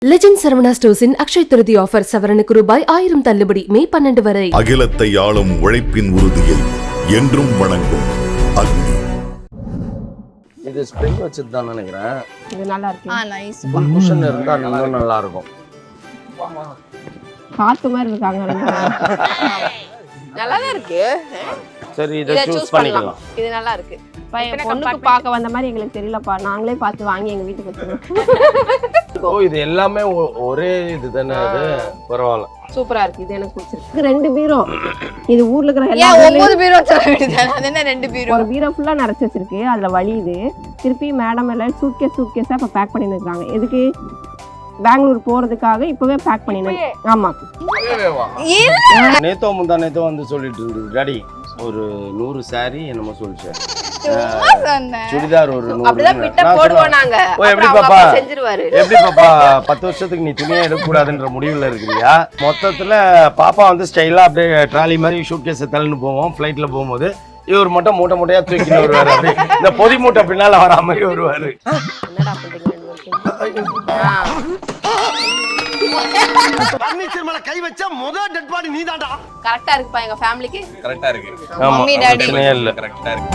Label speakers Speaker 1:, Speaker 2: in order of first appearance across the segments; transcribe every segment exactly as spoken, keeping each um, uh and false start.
Speaker 1: Legend Saravana ஸ்டோர்ஸின் Akshay Tritiya offer சவரனுக்கு ரூபாய் ஆயிரம் தள்ளுபடி மே பன்னெண்டு வரை.
Speaker 2: அகிலத்தை ஆளும் உழைப்பின் உறுதியை என்றும் வணங்கும் அக்னி.
Speaker 3: இது ஸ்ப்ரிங் வச்சது தான் நினைக்கிறேன்.
Speaker 4: இது நல்லா இருக்கு.
Speaker 5: ஆ நைஸ்.
Speaker 3: ஃபுல் குஷன் இருந்தா இன்னும் நல்லா இருக்கும்.
Speaker 4: காத்து மாதிரி இருக்காங்க.
Speaker 5: நல்லா தான் இருக்கு.
Speaker 3: சரி இத சூஸ் பண்ணிக்கலாம்.
Speaker 5: இது நல்லா இருக்கு.
Speaker 4: பையன் பொண்ணுக்கு பார்க்க வந்த மாதிரி எங்களுக்கு தெரியலப்பா. நாங்களே பார்த்து வாங்கி எங்க வீட்டுக்கு வச்சிருக்கோம்.
Speaker 3: ஓ இது எல்லாமே ஒரே இது தானே அது. பரவாயில்ல.
Speaker 4: சூப்பரா இருக்கு. இது எனக்கு பிடிச்சிருக்கு. ரெண்டு பீரோ. இது ஊர்ல இருக்கிற எல்லா
Speaker 5: ஏன் ஒன்பது பீரோ வச்சிருக்க வேண்டியது. அது என்ன ரெண்டு பீரோ?
Speaker 4: ஒரு பீரோ ஃபுல்லா நிறைச்சு வச்சிருக்கு. அதுல வலியுது. திருப்பி மேடம் எல்லாம் சூட்கேஸ் சூட்கேஸா இப்ப பேக் பண்ணி இருக்காங்க. எதுக்கு? பெங்களூர் போறதுக்காக இப்பவே பேக் பண்ணினேன். ஆமா.
Speaker 3: நேத்தோ முந்தா நேத்தோ வந்து சொல்லிட்டு இருந்தது டாடி ஒரு நூறு சாரி என்னமோ சொல்லிச்சு. சுடிதார் ஒரு நூறு.
Speaker 5: அப்படிதான் பிட்ட போடுவோம் நாங்க.
Speaker 3: ஓ எப்படி பாப்பா
Speaker 5: செஞ்சிருவாரு.
Speaker 3: எப்படி பாப்பா பத்து வருஷத்துக்கு நீ துணியே எடுக்க கூடாதுன்ற முடிவுல இருக்கிறியா? மொத்தத்துல பாப்பா வந்து ஸ்டைலா அப்படியே ட்ராலி மாதிரி ஷூட் கேஸ் தள்ளின்னு போவோம் ஃபிளைட்ல போகும்போது. இவர் மட்டும் மூட்டை மூட்டையா தூக்கிட்டு வருவாரு. அப்படி இந்த பொதி மூட்டை பின்னால வர மாதிரி வருவாரு.
Speaker 5: என்னடா பண்றீங்க?
Speaker 6: பர்னிச்சர் மேல கை வச்சா முதல் டெட் பாடி நீதான்டா.
Speaker 5: கரெக்ட்டா இருக்குப்பா எங்க ஃபேமிலிக்கு.
Speaker 7: கரெக்ட்டா இருக்கு.
Speaker 5: மம்மி டாடி
Speaker 3: இல்ல
Speaker 7: கரெக்ட்டா இருக்கு.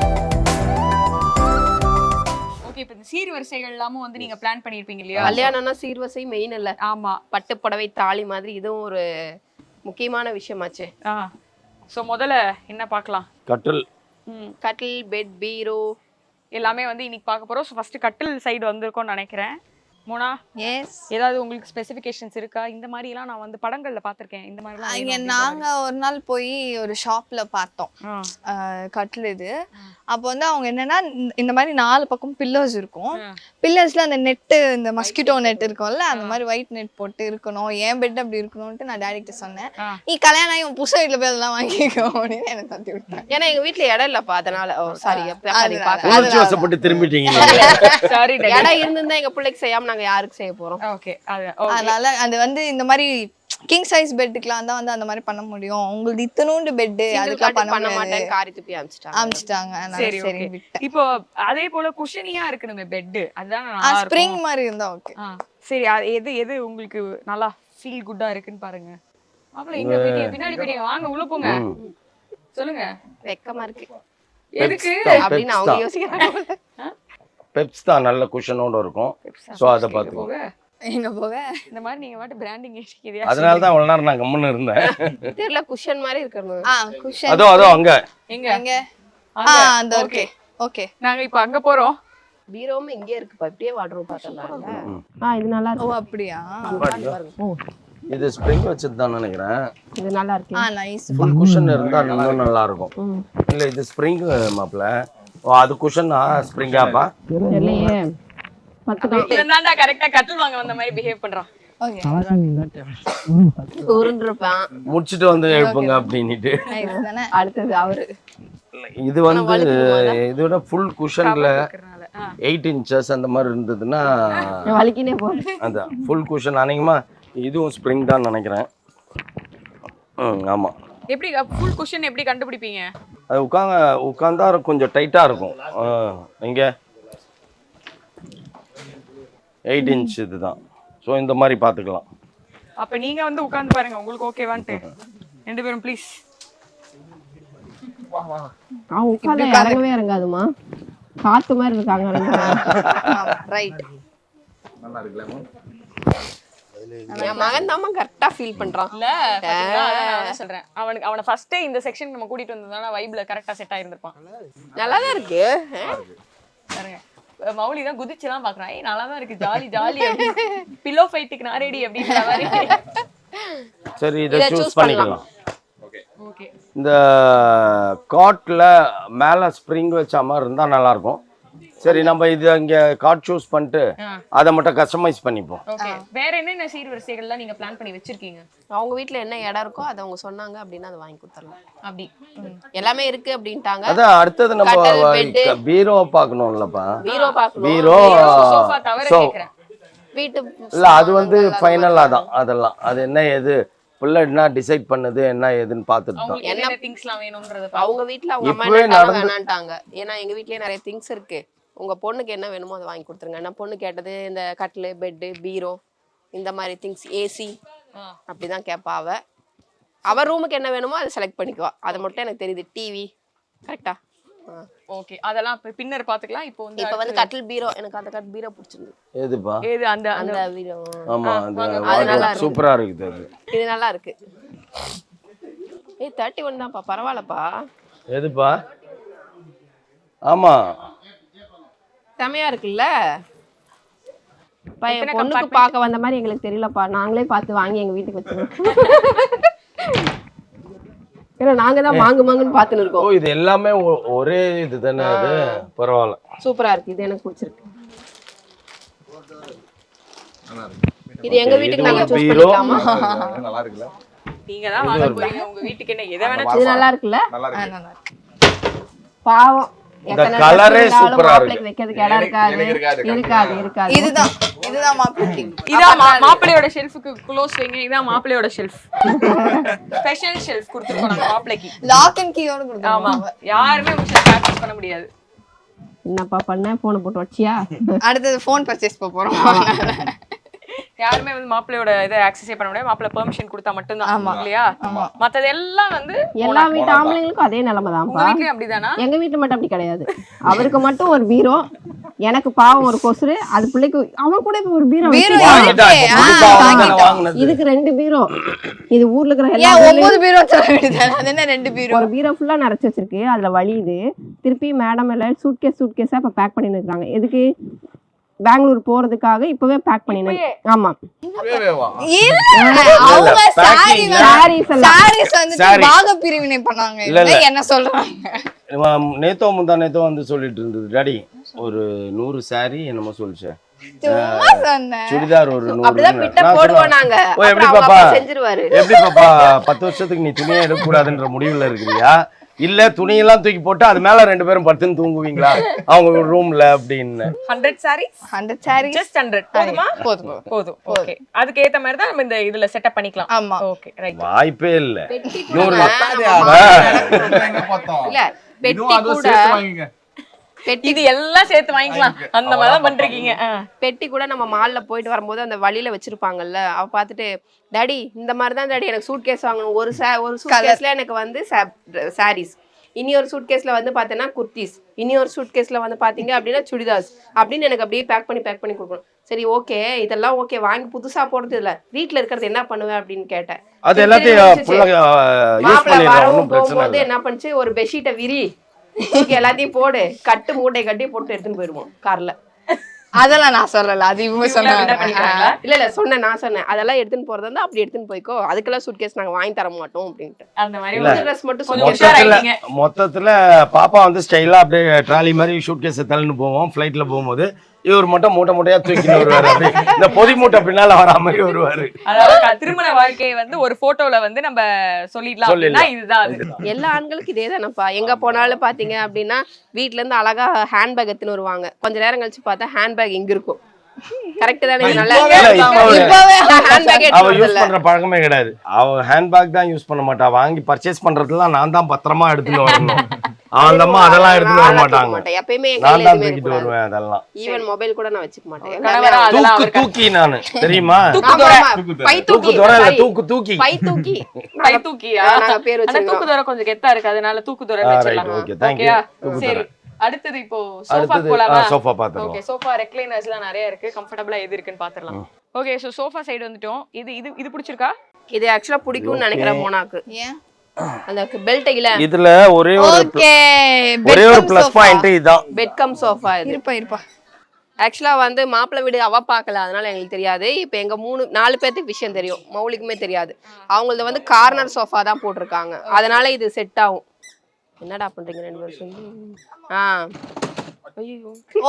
Speaker 8: ஓகே இப்போ இந்த சீர்வரிசைகள் எல்லாமே வந்து நீங்க பிளான் பண்ணிருப்பீங்க இல்லையா?
Speaker 5: கல்யாணம்னா சீர்வரிசை மெயின் இல்ல.
Speaker 8: ஆமா.
Speaker 5: பட்டு புடவை தாலி மாதிரி இதுவும் ஒரு முக்கியமான விஷயமாச்சு.
Speaker 8: ஆ சோ முதல்ல என்ன பார்க்கலாம்?
Speaker 3: கட்டில்.
Speaker 8: ம்
Speaker 5: கட்டில், பெட், பீரோ
Speaker 8: எல்லாமே வந்து இன்னைக்கு பார்க்க போறோம். ஸோ ஃபர்ஸ்ட் கட்டில் சைடு வந்திருக்கோம்னு நினைக்கிறேன். மோனா
Speaker 5: எஸ்.
Speaker 8: ஏதாவது உங்களுக்கு ஸ்பெசிஃபிகேஷன்ஸ் இருக்கா? இந்த மாதிரி எல்லாம் நான் வந்து படங்கள்ல பார்த்திருக்கேன். இந்த மாதிரி எல்லாம்
Speaker 9: இங்க நாங்க ஒரு நாள் போய் ஒரு ஷாப்ல பார்த்தோம்
Speaker 8: ஆ
Speaker 9: கட்டில் இது. அப்போ வந்து அவங்க என்னன்னா இந்த- இந்த மாதிரி நாலு பக்கம் பில்லர்ஸ் இருக்கும். பில்லர்ஸ்ல அந்த நெட்டு இந்த மஸ்கிட்டோ நெட் இருக்கும்ல அந்த மாதிரி ஒயிட் நெட் போட்டு இருக்கணும். ஏன் பெட் அப்படி இருக்கணும்ட்டு நான் டேடி கிட்ட சொன்னேன்.
Speaker 8: ஆ.
Speaker 9: நீ கல்யாணம் ஆகி உன் புதுசு வீட்டுல போய் அதெல்லாம் வாங்கிக்கோ அப்படின்னு எனக்கு தட்டி விட்டாங்க.
Speaker 5: ஏன்னா எங்க வீட்ல இடம் இல்லப்பா. அதனால ஓ சாரி.
Speaker 3: உணர்ச்சி வசப்பட்டு திரும்பிட்டீங்க.
Speaker 8: சாரி
Speaker 5: இடம் இருந்திருந்தா எங்க பிள்ளைக்கு செய்யாம நாங்க யாருக்கு செய்ய போறோம்?
Speaker 8: ஓகே அது ஓகே.
Speaker 9: அதனால அது வந்து இந்த மாதிரி கிங் சைஸ் பெட்டுக்குலாம் தான் வந்து அந்த மாதிரி பண்ண முடியும். உங்களுக்கு இத்தனூண்டு பெட்டு அதுக்கெல்லாம்
Speaker 5: பண்ண
Speaker 9: பண்ண
Speaker 5: மாட்டேன்.
Speaker 9: மாட்டேன்
Speaker 5: காரி துப்பி அமிச்சிட்டாங்க.
Speaker 9: அமிச்சிட்டாங்க. அதனால
Speaker 8: சரி
Speaker 9: சரி
Speaker 8: ஓகே.
Speaker 9: விட்டேன்.
Speaker 8: இப்போ அதே போல குஷனியா இருக்கணுமே பெட். அதுதான் நல்லா
Speaker 9: ஸ்ப்ரிங்
Speaker 8: இருக்கும்.
Speaker 9: மாதிரி இருந்தா ஓகே.
Speaker 8: ஆ சரி அது எது எது உங்களுக்கு நல்லா ஃபீல் குட்டா இருக்குன்னு பாருங்க. அப்பல இங்க பின்னாடி பின்னாடி பின்னாடி வாங்க உள்ள போங்க. சொல்லுங்க.
Speaker 5: வெக்கமா இருக்கு.
Speaker 8: எதுக்கு?
Speaker 5: அப்படின்னு அவங்க யோசிக்கிறாங்க.
Speaker 3: பெப்ஸ் தான் நல்ல குஷனோட இருக்கும். சோ அத பாத்துக்கோ.
Speaker 8: போக
Speaker 9: எங்க போக
Speaker 8: இந்த மாதிரி நீங்க வாட்டு பிராண்டிங் ஏசிக்கிறியா?
Speaker 3: அதனால தான் அவ்வளவு நேரம் நான் கம்முன்னு இருந்தேன்.
Speaker 5: தெரியல குஷன் மாதிரி இருக்கணும்.
Speaker 9: ஆ குஷன்
Speaker 3: அதோ அதோ அங்க.
Speaker 8: எங்க?
Speaker 9: எங்க ஆ
Speaker 8: அங்க.
Speaker 9: அந்த ஓகே ஓகே.
Speaker 8: நாங்க இப்ப அங்க போறோம்.
Speaker 5: பீரோவும் இங்கே இருக்குப்பா. இப்படியே வாட்ரோப் பார்த்தோம்ல.
Speaker 4: ஆ இது நல்லா
Speaker 9: ஓ
Speaker 4: இருக்கு.
Speaker 9: அப்படியா?
Speaker 3: இது ஸ்ப்ரிங் வச்சது தான் நினைக்கிறேன்.
Speaker 4: இது நல்லா இருக்கு.
Speaker 9: ஆ நைஸ்.
Speaker 3: ஃபுல் குஷன் இருந்தா இன்னும் நல்லா இருக்கும்.
Speaker 4: ம்.
Speaker 3: இல்ல இது ஸ்ப்ரிங் மாப்ள. ஓ அது குஷனா ஸ்ப்ரிங்காப்பா?
Speaker 4: இல்லையே. பத்து தான்.
Speaker 8: இவன்தான்டா கரெக்ட்டா கட்டில் வாங்க வந்த மாதிரி பிஹேவ் பண்றான்.
Speaker 9: ஓகே
Speaker 5: உருண்டிருப்பான்.
Speaker 3: முடிச்சிட்டு வந்து எழுப்புங்க அப்படின்னுட்டு.
Speaker 9: நைஸ் தானே.
Speaker 4: அடுத்தது அவரு.
Speaker 3: இது வந்து இதோட ஃபுல் குஷன்ல
Speaker 8: இருக்கறனால. ஆ
Speaker 3: எயிட் இன்ச்சஸ் அந்த மாதிரி இருந்ததுன்னா
Speaker 4: வலிக்கினே போகுது.
Speaker 3: அதான் ஃபுல் குஷன். அநேகமா இதுவும் ஸ்ப்ரிங் தான் நினைக்கிறேன். ம் ஆமா.
Speaker 8: எப்படி ஃபுல் குஷன் எப்படி கண்டுபிடிப்பீங்க?
Speaker 3: அது உட்காங்க உட்காந்தா கொஞ்சம் டைட்டா இருக்கும். இங்க எயிட் இன்ச் இதுதான். ஸோ இந்த மாதிரி பார்த்துக்கலாம்.
Speaker 8: அப்ப நீங்க வந்து உட்கார்ந்து பாருங்க உங்களுக்கு ஓகேவான்ட்டு. ரெண்டு பேரும் ப்ளீஸ்.
Speaker 4: அவன் உட்கார்ந்து இறங்கவே இறங்காதுமா. காத்து மாதிரி இருக்காங்க.
Speaker 9: ரைட்.
Speaker 5: என் மகன் தான் கரெக்டா ஃபீல் பண்றான்.
Speaker 8: இல்ல பாத்தீங்களா? அதான் நான் வந்து சொல்றேன். அவனுக்கு அவனை ஃபர்ஸ்டே இந்த செக்ஷன் நம்ம கூட்டிட்டு வந்ததால வைப்ல கரெக்டா செட் ஆயிருந்திருப்பான்.
Speaker 5: நல்லாதான் இருக்கு.
Speaker 8: பாருங்க மௌலி தான் குதிச்சுலாம் பாக்குறான். ஏய் நல்லா தான் இருக்கு ஜாலி ஜாலி. பில்லோ ஃபைட்டுக்கு நான் ரெடி அப்படின்ற மாதிரி.
Speaker 3: சரி இதை சூஸ் பண்ணிக்கலாம்.
Speaker 8: ஓகே.
Speaker 3: இந்த காட்ல மேல ஸ்ப்ரிங் வச்ச மாதிரி இருந்தா நல்லா இருக்கும். சரி நம்ம இது இங்க காட் சூஸ் பண்ணிட்டு அதை மட்டும் கஸ்டமைஸ் பண்ணிப்போம்.
Speaker 8: ஓகே. வேற என்னென்ன சீர்வரிசைகள்லாம் நீங்க பிளான் பண்ணி வச்சிருக்கீங்க?
Speaker 5: அவங்க வீட்ல என்ன இடம் இருக்கோ அதை அவங்க சொன்னாங்க அப்படின்னா அதை வாங்கி கொடுத்துடலாம்.
Speaker 8: அப்படி
Speaker 5: எல்லாமே இருக்கு அப்படின்ட்டாங்க.
Speaker 3: அதான் அடுத்தது நம்ம
Speaker 5: கட்டில், bed.
Speaker 3: பீரோ பார்க்கணும்லப்பா.
Speaker 5: பீரோ பார்க்கணும்.
Speaker 3: பீரோ
Speaker 8: சோஃபா தவிர
Speaker 3: சோ
Speaker 8: கேக்குறேன்.
Speaker 5: வீட்டு
Speaker 3: இல்ல அது வந்து ஃபைனலா தான். அதெல்லாம் அது என்ன எது பிள்ளை என்ன டிசைட் பண்ணுது என்ன ஏதுன்னு பார்த்துட்டு தான்.
Speaker 8: உங்களுக்கு என்ன திங்ஸ்லாம் வேணும்ன்றத
Speaker 5: அவங்க வீட்ல அவங்க அம்மா
Speaker 3: இப்பவே
Speaker 5: என்ன
Speaker 3: நடந்து-
Speaker 5: வேணான்ட்டாங்க. ஏன்னா எங்க வீட்லயே நிறைய திங்ஸ் இருக்கு. உங்க பொண்ணுக்கு என்ன வேணுமோ அதை வாங்கி கொடுத்துருங்க. நான் பொண்ணு கேட்டது இந்த கட்டில், பெட்டு, பீரோ இந்த மாதிரி திங்ஸ் ஏசி அப்படிதான் கேட்பா அவ. அவ ரூமுக்கு என்ன வேணுமோ அதை செலக்ட் பண்ணிக்குவா. அது மட்டும் எனக்கு தெரியுது. டிவி கரெக்டா?
Speaker 8: ஓகே, அதெல்லாம் இப்ப பின்னர் பாத்துக்கலாம். இப்போ வந்து
Speaker 5: இப்ப வந்து கட்டில் பீரோ, எனக்கு அந்த கட்டில் பீரோ பிடிச்சிருந்தது.
Speaker 3: எதுப்பா?
Speaker 8: ஏது அந்த
Speaker 5: அந்த பீரோ.
Speaker 3: ஆமா, அது சூப்பரா இருக்குது. அது
Speaker 5: இது நல்லா இருக்கு. ஏய் முப்பத்தி ஒன்று தான்ப்பா, பரவாயில்லப்பா.
Speaker 3: எதுப்பா? ஆமா,
Speaker 5: செமையா இருக்குல்ல.
Speaker 4: பையன் பொண்ணுக்கு பார்க்க வந்த மாதிரி எங்களுக்கு தெரியலப்பா, நாங்களே பார்த்து வாங்கி எங்க வீட்டுக்கு வச்சிருக்கோம். ஏன்னா நாங்க தான் மாங்கு மாங்குன்னு பார்த்துன்னு இருக்கோம்.
Speaker 3: ஓ, இது எல்லாமே ஒரே இது தானே? அது பரவாயில்ல,
Speaker 5: சூப்பரா இருக்கு. இது எனக்கு பிடிச்சிருக்கு. இது எங்க வீட்டுக்கு நாங்க சூஸ் பண்ணிக்கலாமா?
Speaker 7: நல்லா இருக்குல்ல?
Speaker 8: நீங்க தான் வாங்க போறீங்க, உங்க வீட்டுக்கு என்ன எதை வேணா.
Speaker 4: இது நல்லா இருக்குல்ல?
Speaker 7: நல்லா இருக்கு.
Speaker 9: நல்லா இருக்கு.
Speaker 4: பாவம்,
Speaker 3: இந்த கலரே சூப்பரா இருக்கு.
Speaker 4: மாப்பிளைக்கு வைக்கிறதுக்கு இடம் இருக்காது. இருக்காது இருக்காது
Speaker 9: இதுதான் இதுதான் மாப்பிளைக்கு.
Speaker 8: இதான் மா- மாப்பிள்ளையோட ஷெல்ஃபுக்கு க்ளோஸ் வைங்க. இதான் மாப்பிள்ளையோட ஷெல்ஃப். ஸ்பெஷல் ஷெல்ஃப் கொடுத்துருக்கோம் நாங்க மாப்பிள்ளைக்கு.
Speaker 9: லாக் அண்ட் கீயோட கொடுத்தாங்க.
Speaker 8: ஆமா, யாருமே உங்க ஷெல்ஃப் ஆக்சஸ் பண்ண முடியாது.
Speaker 4: என்னப்பா பண்ண? போனை போட்டு வச்சியா?
Speaker 9: அடுத்தது ஃபோன் பர்ச்சேஸ் போறோம்.
Speaker 8: யாருமே வந்து மாப்பிள்ளையோட இதை ஆக்சஸே பண்ண முடியாது. மாப்பிள்ளை பெர்மிஷன் கொடுத்தா மட்டும்தான் இல்லையா? மத்தது எல்லாம் வந்து
Speaker 4: எல்லா வீட்டு ஆம்பளைங்களுக்கும் அதே நிலைமை
Speaker 8: உங்க
Speaker 4: தான்ப்பா.
Speaker 8: வீட்லயும் அப்படிதானா?
Speaker 4: எங்க வீட்டுல மட்டும் அப்படி கிடையாது. அவருக்கு மட்டும் ஒரு பீரோ, எனக்கு பாவம் ஒரு கொசுரு, அது பிள்ளைக்கு அவன் கூட இப்ப ஒரு பீரோ
Speaker 9: பீரோ
Speaker 4: வச்சிருக்கான்.
Speaker 3: வாங்கிட்டா, இப்ப புதுசா வாங்கின- வாங்கினது.
Speaker 4: இதுக்கு ரெண்டு பீரோ. இது ஊர்ல இருக்கிற எல்லா
Speaker 9: ஏன்
Speaker 4: பீரோலையும்
Speaker 9: ஒன்பது பீரோ சொல்ல வேண்டியது? அது என்ன ரெண்டு பீரோ?
Speaker 4: ஒரு பீரோ ஃபுல்லா நிறைச்சு வச்சிருக்கு. அதுல வலியுது. திருப்பி மேடம் எல்லாம் சூட்கேஸ் சூட்கேஸா இப்ப பேக் பண்ணி இருக்காங்க. எதுக்கு? பெங்களூர் போறதுக்காக இப்பவே பேக் பண்ணி. ஆமா,
Speaker 9: இல்ல, அவங்க சாரி
Speaker 4: sarees எல்லாம்.
Speaker 9: சாரீஸ் வந்து
Speaker 3: Saree.
Speaker 9: பாக பிரிவினை பண்ணாங்க.
Speaker 3: இல்ல, இல்ல.
Speaker 9: என்ன சொல்றாங்க?
Speaker 3: இவன் நேத்தோ முந்தா நேத்தோ வந்து சொல்லிட்டு இருந்தது, டாடி ஒரு நூறு சாரி என்னமோ சொல்லிச்சு,
Speaker 9: சும்மா சொன்னேன்.
Speaker 3: சுடிதார் ஒரு நூறு.
Speaker 5: அப்படிதான் பிட்ட
Speaker 3: நான்
Speaker 5: போடுவோம்
Speaker 3: சொன்னேன்,
Speaker 5: நாங்க.
Speaker 3: ஓ, எப்படி
Speaker 5: அப்புறம் அவங்க
Speaker 3: பாப்பா
Speaker 5: அப்பா செஞ்சிருவாரு.
Speaker 3: எப்படி பாப்பா பத்து வருஷத்துக்கு நீ துணியே எடுக்க கூடாதுன்ற முடிவுல இருக்கிறியா, இல்ல துணியெல்லாம் தூக்கி போட்டு அது மேல ரெண்டு பேரும் படுத்துன்னு தூங்குவீங்களா அவங்க ரூம்ல அப்படின்னு?
Speaker 8: Hundred sarees,
Speaker 9: hundred sari
Speaker 8: just hundred போதுமா?
Speaker 9: போதும் போதும்.
Speaker 8: போதும். ஓகே, அதுக்கு ஏத்த மாதிரி தான் நம்ம இந்த இதுல செட்டப் பண்ணிக்கலாம்.
Speaker 9: ஆமா.
Speaker 8: Okay, right.
Speaker 3: வாய்ப்பே இல்ல.
Speaker 5: பெட்டி
Speaker 3: நூறு
Speaker 5: கூட
Speaker 7: எங்க பார்த்தோம்?
Speaker 5: இல்ல, பெட்டி
Speaker 7: இன்னும் அதுவும்
Speaker 5: கூட
Speaker 7: சேர்த்து வாங்கிங்க.
Speaker 5: பெட்டி
Speaker 8: இது எல்லாம் சேர்த்து வாங்கிக்கலாம். அந்த மாதிரி தான் பண்றீங்க.
Speaker 5: பெட்டி கூட நம்ம மால்ல போயிட்டு வரும்போது அந்த வழியில வச்சிருப்பாங்கல்ல, அவ பார்த்துட்டு டாடி இந்த மாதிரி தான் டாடி எனக்கு சூட் கேஸ் வாங்கணும். ஒரு சா ஒரு சூட் கேஸ்ல எனக்கு வந்து சாரீஸ், இனி ஒரு சூட் கேஸ்ல வந்து பார்த்தேன்னா குர்த்திஸ், இனி ஒரு சூட் கேஸ்ல வந்து பாத்தீங்க அப்படின்னா சுடிதார்ஸ் அப்படின்னு எனக்கு அப்படியே பேக் பண்ணி பேக் பண்ணி கொடுக்கணும். சரி ஓகே, இதெல்லாம் ஓகே, வாங்கி புதுசா போடுறது இல்ல, வீட்டுல இருக்கிறது என்ன பண்ணுவேன் அப்படின்னு கேட்டேன்.
Speaker 3: அது எல்லாத்தையும் ஃபுல்லா யூஸ் பண்ணிடுறோம், ஒன்றும் பிரச்சனை
Speaker 5: போகும்போது
Speaker 3: இல்லை.
Speaker 5: என்ன பண்ணுச்சு, ஒரு பெட்ஷீட்டை விரி, எல்லாத்தையும் போடு, கட்டு மூட்டை கட்டி போட்டு எடுத்துன்னு போயிடுவோம் கார்ல.
Speaker 9: அதெல்லாம் நான் சொல்லல, அது இவங்க சொன்னாங்க.
Speaker 5: இல்ல இல்ல சொன்னேன், நான் சொன்னேன் அதெல்லாம் எடுத்துன்னு போறதா இருந்தா அப்படி எடுத்துன்னு போய்க்கோ, அதுக்கெல்லாம் சூட்கேஸ் நாங்க வாங்கி தர மாட்டோம் அப்படின்ட்டு.
Speaker 8: அந்த மாதிரி
Speaker 3: இல்ல.
Speaker 5: ஒரு ட்ரெஸ் மட்டும்
Speaker 8: கொஞ்சம்
Speaker 5: சொல்லி
Speaker 8: உஷார்
Speaker 3: மொத்தத்துல
Speaker 8: ஆயிட்டீங்க.
Speaker 3: மொத்தத்துல பாப்பா வந்து ஸ்டைலா அப்படியே ட்ராலி மாதிரி ஷூட் கேஸ் தள்ளின்னு போவோம் ஃபிளைட்ல போகும்போது, இவர் மட்டும் மூட்டை மூட்டையா தூக்கின்னு வருவாரு. அப்படி இந்த பொதி மூட்டை பின்னால வரா மாதிரி வருவாரு.
Speaker 8: அதாவது க- திருமண வாழ்க்கையை வந்து ஒரு போட்டோல வந்து நம்ம சொல்லிடலாம் அப்படின்னா இதுதான் அது.
Speaker 5: எல்லா ஆண்களுக்கு இதே தானப்பா. எங்க போனாலும் பாத்தீங்க அப்படின்னா வீட்ல இருந்து அழகா ஹேண்ட்பேக் எடுத்துன்னு வருவாங்க. கொஞ்ச நேரம் கழிச்சு பார்த்தா ஹேண்ட்பேக் இங்க இருக்கும். கரெக்ட் தானே? இது நல்லா
Speaker 3: இல்ல, இப்பவே
Speaker 9: இப்பவே
Speaker 5: ஹேண்ட்பேக்
Speaker 3: அவ யூஸ்
Speaker 5: எடுத்து
Speaker 3: பண்ற பழக்கமே கிடையாது. அவ ஹேண்ட்பேக் தான் யூஸ் பண்ண மாட்டா. வாங்கி பர்ச்சேஸ் பண்றதுலாம் நான் தான் பத்திரமா எடுத்துட்டு வரணும். அவந்தம்மா அதெல்லாம் எடுத்துட்டு வர மாட்டாங்க.
Speaker 5: எப்பயுமே என்
Speaker 3: நான்
Speaker 5: கையில
Speaker 3: தான்
Speaker 5: எதுவுமே
Speaker 3: தூக்கிட்டு
Speaker 5: இருக்கக்கூடாது.
Speaker 3: வருவேன். அதெல்லாம்
Speaker 5: ஈவன் மொபைல் கூட நான் வச்சுக்க மாட்டேன்.
Speaker 8: கணவரா அதெல்லாம்
Speaker 3: தூக்கு
Speaker 8: அவருக்கு
Speaker 3: தூக்கி நானு தெரியுமா?
Speaker 5: ஆமா, ஆமா. பை
Speaker 3: தூக்கு
Speaker 5: தூக்கி
Speaker 3: துறை இல்ல,
Speaker 5: sorry.
Speaker 3: தூக்கு தூக்கி.
Speaker 5: பை தூக்கி
Speaker 8: கை தூக்கியா?
Speaker 5: நாங்க பேர்
Speaker 8: ஆனா
Speaker 5: வச்சிருக்கோம்.
Speaker 8: தூக்கு தூர கொஞ்சம் கெத்தா இருக்கு, அதனால தூக்கு தூர
Speaker 3: ஆ,
Speaker 8: வச்சிடலாம்.
Speaker 3: right, okay, thank you.
Speaker 8: ஓகேயா?
Speaker 3: தூக்கு
Speaker 8: சரி,
Speaker 3: துறை.
Speaker 8: அடுத்தது இப்போ சோஃபா
Speaker 3: அடுத்தது
Speaker 8: போலாமா?
Speaker 3: சோஃபா பாத்துறோம்.
Speaker 8: ஓகே, சோஃபா ரெக்லைனர்ஸ்லாம் நிறைய இருக்கு, கம்ஃபர்ட்டபிளா எது இருக்குன்னு பாத்துறலாம். ஓகே, சோ சோஃபா சைடு வந்துட்டோம். இது இது இது பிடிச்சிருக்கா?
Speaker 5: இது ஆக்சுவலா பிடிக்கும்னு நினைக்கிறேன் மோனாக்கு.
Speaker 9: ஏன்?
Speaker 5: அந்த பெல்ட் இல்ல,
Speaker 3: இதுல ஒரே ஒரு
Speaker 9: ஓகே,
Speaker 3: ஒரே ஒரு பிளஸ் பாயிண்ட் இதான்.
Speaker 5: பெட் கம் சோஃபா இது.
Speaker 9: இருப்பா இருப்பா.
Speaker 5: ஆக்சுவலா வந்து மாப்பிள்ளை வீடு அவ பார்க்கல, அதனால எங்களுக்கு தெரியாது. இப்போ எங்க மூணு நாலு பேர்த்துக்கு விஷயம் தெரியும், மௌலிக்குமே தெரியாது. அவங்களது வந்து கார்னர் சோஃபா தான் போட்டிருக்காங்க, அதனால இது செட் ஆகும். என்னடா பண்றீங்க ரெண்டு வருஷம்? ஆ ஐயோ,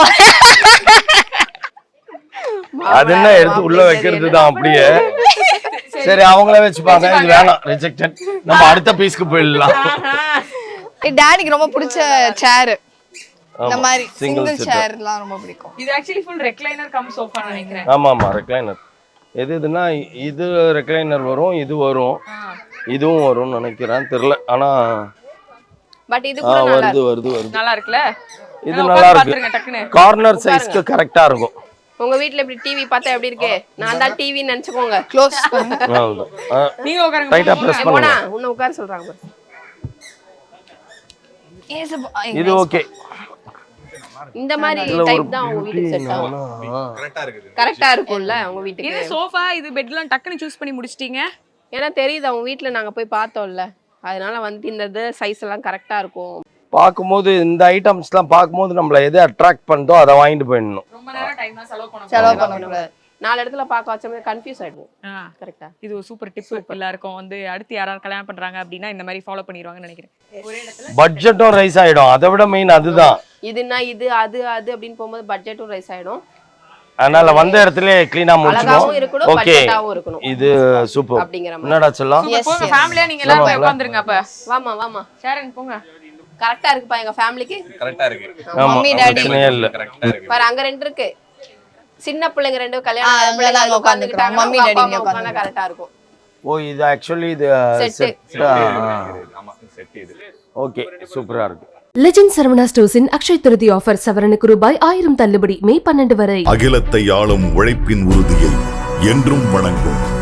Speaker 3: அது என்ன எடுத்து உள்ள வைக்கிறது தான் அப்படியே. சரி, அவங்களே வச்சுப்பாங்க. இது வேணாம், ரிஜெக்டட். நம்ம அடுத்த பீஸ்க்கு போயிடலாம்.
Speaker 9: டாடிக்கு ரொம்ப பிடிச்ச சேர், இந்த
Speaker 3: ஆமா,
Speaker 9: மாதிரி
Speaker 3: single
Speaker 9: சிங்கிள்
Speaker 3: seater.
Speaker 9: சேர்லாம் ரொம்ப பிடிக்கும்.
Speaker 8: இது actually full recliner cum sofa நினைக்கிறேன்.
Speaker 3: ஆமா ஆமா, ரெக்லைனர். எது இதுன்னா இது ரெக்லைனர் வரும், இது வரும், இதுவும் வரும்னு நினைக்கிறேன், தெரியல. ஆனா
Speaker 5: பட் இது
Speaker 3: ஆ,
Speaker 5: கூட நல்லா
Speaker 3: வருது வருது வருது.
Speaker 8: நல்லா இருக்குல்ல?
Speaker 3: இது
Speaker 8: நல்லா
Speaker 3: நல்லா
Speaker 8: உட்கார்ந்து
Speaker 3: இருக்கு.
Speaker 8: பாத்துருங்க டக்குன்னு.
Speaker 3: கார்னர் சைஸ்க்கு கரெக்டா இருக்கும்.
Speaker 5: உங்க வீட்ல இப்படி டிவி பார்த்தா எப்படி இருக்கு? நான் தான் டிவின்னு நினைச்சுக்கோங்க.
Speaker 9: க்ளோஸ்
Speaker 8: நீங்க உட்காருங்க.
Speaker 3: டைட்டா பிரஸ்
Speaker 5: போனா
Speaker 3: பண்ணுங்க.
Speaker 5: உன்னை உட்கார சொல்றாங்க பாரு.
Speaker 3: இது ஓகே.
Speaker 5: இந்த மாதிரி டைப் தான் உங்க வீட்டுக்கு செட் ஆகும்.
Speaker 7: கரெக்டா இருக்குது.
Speaker 5: கரெக்டா இருக்கும்ல உங்க
Speaker 8: இது
Speaker 5: வீட்டுக்கு.
Speaker 8: சோஃபா இது பெட்லாம் டக்குன்னு சூஸ் பண்ணி முடிச்சிட்டீங்க.
Speaker 5: ஏன்னா தெரியுது அவங்க வீட்ல நாங்க போய் பார்த்தோம்ல, அதனால வந்து இந்த இது சைஸ் எல்லாம் கரெக்டா இருக்கும்.
Speaker 3: பார்க்கும்போது இந்த ஐட்டம்ஸ்லாம் பார்க்கும்போது நம்மள எது அட்ராக்ட் பண்ணுதோ அதை வாங்கிட்டு போயிடணும்.
Speaker 8: ரொம்ப நேரம் டைம் செலவு பண்ண
Speaker 9: செலவு பண்ணக்கூடாது.
Speaker 5: நாலு இடத்துல பார்க்க வச்சோமே கன்ஃபியூஸ் ஆயிடுவோம். கரெக்டா?
Speaker 8: இது ஒரு சூப்பர் டிப் எல்லாருக்கும் வந்து அடுத்து யாராவது கல்யாணம் பண்றாங்க அப்படின்னா இந்த மாதிரி ஃபாலோ பண்ணிடுவாங்கன்னு நினைக்கிறேன். ஒரே இடத்துல
Speaker 3: பட்ஜெட்டும் ரைஸ் ஆயிடும். அதை விட மெயின் அதுதான்.
Speaker 5: இதுனா இது அது அது அப்படின்னு போகும்போது பட்ஜெட்டும் ரைஸ் ஆயிடும்.
Speaker 3: அதனால வந்த இடத்துல கிளீனா
Speaker 5: அழகாவும்
Speaker 3: முடிச்சிடும்.
Speaker 5: இருக்கணும்,
Speaker 3: ஓகே,
Speaker 5: பட்ஜெட்டாவும் இருக்கணும்.
Speaker 3: இது சூப்பர்.
Speaker 5: அப்படிங்கிற மாதிரி.
Speaker 3: என்னடா சொல்லலாம்?
Speaker 9: Yes,
Speaker 8: போங்க
Speaker 9: yes.
Speaker 8: ஃபேமிலியா நீங்க எல்லாம் போய் உட்கார்ந்துருங்க. அப்ப
Speaker 5: வாமா வாமா
Speaker 8: ஷேரன் போங்க.
Speaker 5: கரெக்டா இருக்குப்பா எங்க ஃபேமிலிக்கு.
Speaker 7: கரெக்டா இருக்கு.
Speaker 3: ஆமா,
Speaker 9: மம்மி டாடி
Speaker 3: பிரச்சனையே இல்ல.
Speaker 7: கரெக்டா இருக்கு.
Speaker 5: பாரு அங்க ரெண்டு இருக்கு. சின்ன பிள்ளைங்க ரெண்டு
Speaker 9: ஆ,
Speaker 5: கல்யாணம்
Speaker 9: அங்க
Speaker 5: பிள்ளைங்க
Speaker 9: நாங்க
Speaker 5: உட்கார்ந்துட்டாங்க.
Speaker 9: உட்கார்ந்துக்கிறோம். மம்மி டாடி இங்க
Speaker 5: உட்கார்ந்தா கரெக்டா இருக்கும்.
Speaker 3: ஓ, இது ஆக்சுவலி இது
Speaker 5: Set.
Speaker 3: செட்.
Speaker 7: ஆமா செட் இது.
Speaker 3: ஓகே, சூப்பரா இருக்கு.
Speaker 1: லெஜண்ட் சரவணா ஸ்டோர்ஸின் அக்ஷய் திருதி ஆஃபர் சவரனுக்கு ரூபாய் ஆயிரம் தள்ளுபடி மே பன்னெண்டு வரை.
Speaker 2: அகிலத்தை ஆளும் உழைப்பின் உறுதியை என்றும் வணங்கும்